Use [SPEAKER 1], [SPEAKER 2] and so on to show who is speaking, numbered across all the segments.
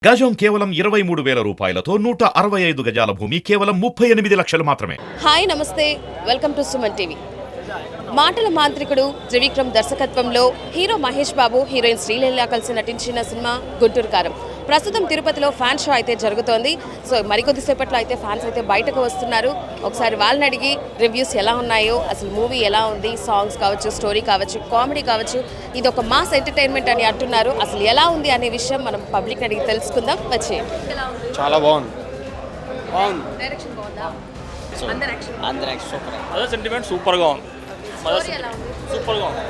[SPEAKER 1] గజం కేవలం 23,000 రూపాయలతో 165 గజాల భూమి కేవలం 38 లక్షలు మాత్రమే.
[SPEAKER 2] హాయ్ నమస్తే, వెల్కమ్ టు సుమన్ టీవీ. మాటల మాంత్రికుడు త్రివిక్రమ్ దర్శకత్వంలో హీరో మహేష్ బాబు, హీరోయిన్ శ్రీలీల కలిసి నటించిన సినిమా గుంటూరు కారం. ప్రస్తుతం తిరుపతిలో ఫ్యాన్ షో అయితే జరుగుతోంది. సో మరికొద్దిసేపట్లో అయితే ఫ్యాన్స్ అయితే బయటకు వస్తున్నారు. ఒకసారి వాళ్ళని అడిగి రివ్యూస్ ఎలా ఉన్నాయో, అసలు మూవీ ఎలా ఉంది, సాంగ్స్ కావచ్చు, స్టోరీ కావచ్చు, కామెడీ కావచ్చు, ఇది ఒక మాస్ ఎంటర్టైన్మెంట్ అని అంటున్నారు. అసలు ఎలా ఉంది అనే విషయం మనం పబ్లిక్ అడిగి తెలుసుకుందాం. వచ్చే
[SPEAKER 3] చాలా బాగుంది.
[SPEAKER 2] డైరెక్షన్ బాగుందా?
[SPEAKER 3] అందరు యాక్షన్ సూపర్.
[SPEAKER 4] అదే సెంటిమెంట్ సూపర్గా ఉంది. సూపర్గా ఉంది.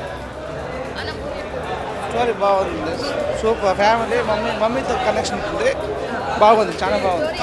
[SPEAKER 3] స్టోరీ బాగుంది, సూపర్. ఫ్యామిలీ మమ్మీతో కనెక్షన్ ఉంది, బాగుంది, చాలా బాగుంది.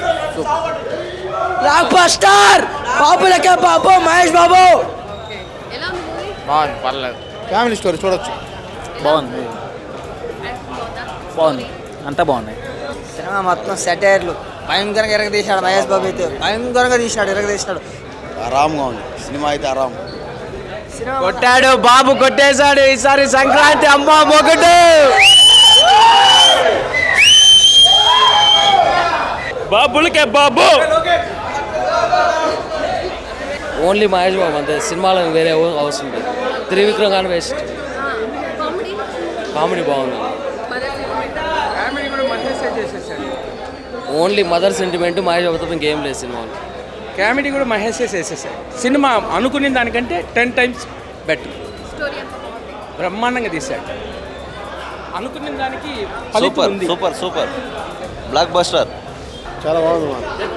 [SPEAKER 5] బ్లాక్ బస్టర్ బాబులకే బాబు, మహేష్ బాబు.
[SPEAKER 3] బాగుంది, పర్లేదు. ఫ్యామిలీ స్టోరీ చూడొచ్చు.
[SPEAKER 5] బాగుంది, బాగుంది, అంతా బాగున్నాయి. సినిమా మొత్తం సెటైర్లు భయంకరంగా ఎరగదీశాడు మహేష్ బాబు. అయితే భయంకరంగా తీశాడు, ఎరగదీశాడు.
[SPEAKER 3] ఆరాంగా ఉంది సినిమా అయితే, ఆరాం.
[SPEAKER 5] కొట్టాడు బాబు, కొట్టేశాడు. ఈసారి సంక్రాంతి అమ్మ మొగడు.
[SPEAKER 4] బాబులకే బాబు.
[SPEAKER 6] ఓన్లీ మహేష్ బాబు అంతే, సినిమాలో వేరే అవసరం లేదు. త్రివిక్రమ్ కానీ వేస్ట్. కామెడీ బాగుంది. ఓన్లీ మదర్ సెంటిమెంట్ మహేష్ బాబుతో ఇంకేం లేదు సినిమాలో.
[SPEAKER 7] కామెడీ కూడా మహేష్ చేసేసాడు. సినిమా అనుకునే దానికంటే 10 times బెటర్. బ్రహ్మాండంగా తీశాడు. అనుకునే దానికి
[SPEAKER 8] super super super blockbuster.
[SPEAKER 3] చాలా బాగుంది.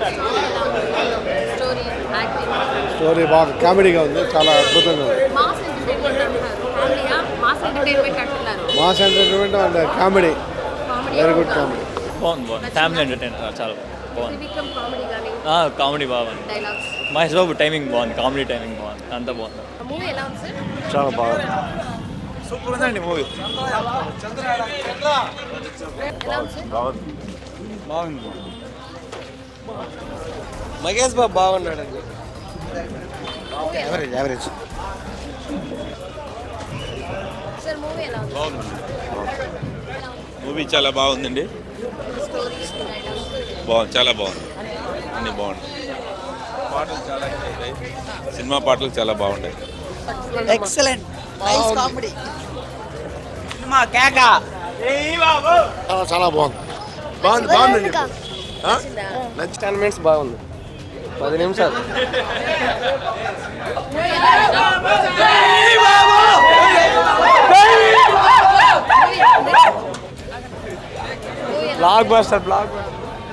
[SPEAKER 3] స్టోరీ బాగా కామెడీగా ఉంది, చాలా అద్భుతంగా ఉంది. Mass entertainment and comedy, very good comedy.
[SPEAKER 4] బాగుంది. ఫ్యామిలీ ఎంటర్టైనర్ చాలా బాగుంది. కామెడీ బాగుంది. మహేష్ బాబు టైమింగ్ బాగుంది, కామెడీ టైమింగ్ బాగుంది, అంతా బాగుంది.
[SPEAKER 3] చాలా బాగుంది.
[SPEAKER 8] సూపర్ ఉందండి మూవీ.
[SPEAKER 3] బాగుంది.
[SPEAKER 8] మహేష్ బాబు బాగున్నాడండి.
[SPEAKER 3] యావరేజ్.
[SPEAKER 8] మూవీ చాలా బాగుందండి. బాగుంది, చాలా బాగుంది, అన్నీ బాగుంది. పాటలు చాలా బాగుంటాయి, సినిమా పాటలు చాలా బాగుంటాయి.
[SPEAKER 5] Excellent, nice comedy. సినిమా కేక.
[SPEAKER 3] చాలా బాగుంది. బాగుందండి. లంచ్ 10 minutes బాగుంది. 10 నిమిషాలు. Blockbuster, blockbuster.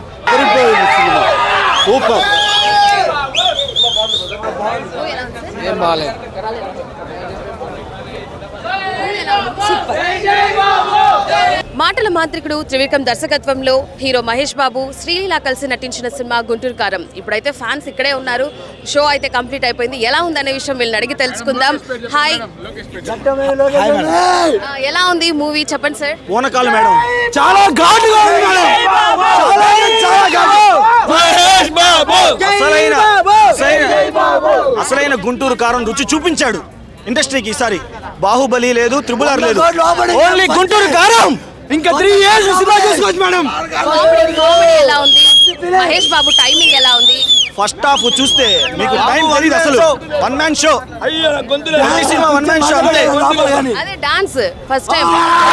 [SPEAKER 3] Super. ఏం బాగాలేదు.
[SPEAKER 2] మాటల మాంత్రికుడు త్రివిక్రమ్ దర్శకత్వంలో హీరో మహేష్ బాబు, శ్రీలీల కలిసి నటించిన సినిమా గుంటూరు కారం. ఇప్పుడైతే ఫ్యాన్స్ ఇక్కడే ఉన్నారు. షో అయితే కంప్లీట్ అయిపోయింది. ఎలా ఉందనే విషయం వీళ్ళని అడిగి తెలుసుకుందాం. హాయ్, ఎలా ఉంది మూవీ చెప్పండి సార్.
[SPEAKER 3] ఓనకాలు మేడం చాలా ఘాటుగా ఉంది మేడం. చాలా ఘాటు. అసలైన గుంటూరు కారం రుచి చూపించాడు ఇండస్ట్రీకి. ఈసారి బాహుబలి లేదు, త్రిబుల్ ఆర్ లేదు, ఓన్లీ గుంటూరు కారం. ఇంకా 3 years సినిమా చూసుకోవచ్చు మేడం.
[SPEAKER 2] కామెడీ ఎలా ఉంది? మహేష్ బాబు టైమింగ్ ఎలా ఉంది?
[SPEAKER 3] ఫస్ట్ హాఫ్ చూస్తే మీకు టైం తెలియదు అసలు. 1 man షో. సినిమా 1 man షో అంతే.
[SPEAKER 2] అదే dance first time.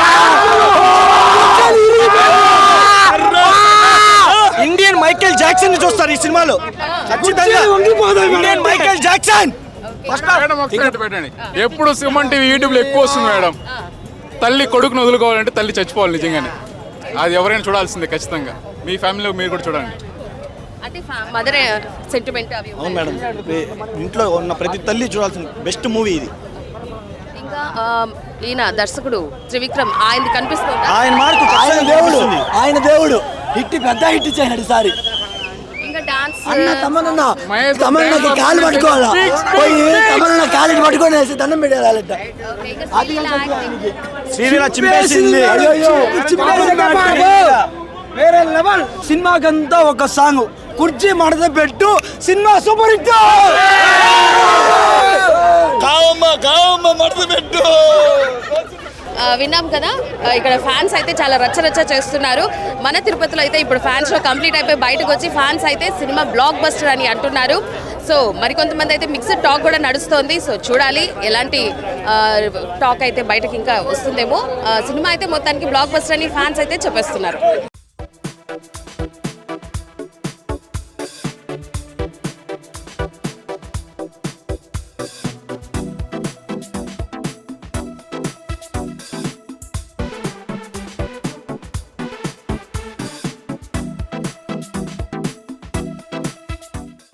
[SPEAKER 3] Indian Michael Jackson ని చూస్తారు ఈ సినిమాలో ఖచ్చితంగా. Indian Michael Jackson.
[SPEAKER 9] పెట్టండి. ఎప్పుడు సుమన్ టీవీ యూట్యూబ్లో ఎక్కువ వస్తుంది మేడం. తల్లి కొడుకును వదులుకోవాలంటే తల్లి చచ్చిపోవాలి నిజంగానే. అది ఎవరైనా చూడాల్సిందే ఖచ్చితంగా. మీ ఫ్యామిలీలో మీరు కూడా చూడండి.
[SPEAKER 2] అంటే మదర్ సెంటిమెంట్ అవి.
[SPEAKER 3] అవును మేడం, ఇంట్లో ఉన్న ప్రతి తల్లి చూడాల్సిన బెస్ట్ మూవీ ఇది.
[SPEAKER 2] ఇంకా ఈయన దర్శకుడు త్రివిక్రమ్, ఆయన కనిపిస్తుంది.
[SPEAKER 3] ఆయన మార్కు
[SPEAKER 5] ఆయన దేవుడు. హిట్, పెద్ద హిట్ ఇచ్చాడు ఈసారి.
[SPEAKER 2] ఇంకా డాన్స్
[SPEAKER 5] తమన్నా కాలు పట్టుకోవాలా, పోయి తమన్నా కాలు పట్టుకొని దండం పెట్టాలంట.
[SPEAKER 3] శ్రీలీల చింపేసింది.
[SPEAKER 5] వేరే లెవెల్. సినిమాకంతా ఒక సాంగ్, కుర్చీ మడత పెట్టు, సినిమా సూపర్ హిట్.
[SPEAKER 8] కావమ్మ మడత పెట్టు.
[SPEAKER 2] విన్నాం కదా, ఇక్కడ ఫ్యాన్స్ అయితే చాలా రచ్చరచ్చ చేస్తున్నారు. మన తిరుపతిలో అయితే ఇప్పుడు ఫ్యాన్స్ షో కంప్లీట్ అయిపోయి బయటకు వచ్చి ఫ్యాన్స్ అయితే సినిమా బ్లాక్ బస్టర్ అని అంటున్నారు. సో మరికొంతమంది అయితే మిక్స్డ్ టాక్ కూడా నడుస్తోంది. సో చూడాలి ఎలాంటి టాక్ అయితే బయటకు ఇంకా వస్తుందేమో. సినిమా అయితే మొత్తానికి బ్లాక్ బస్టర్ అని ఫ్యాన్స్ అయితే చెప్పేస్తున్నారు.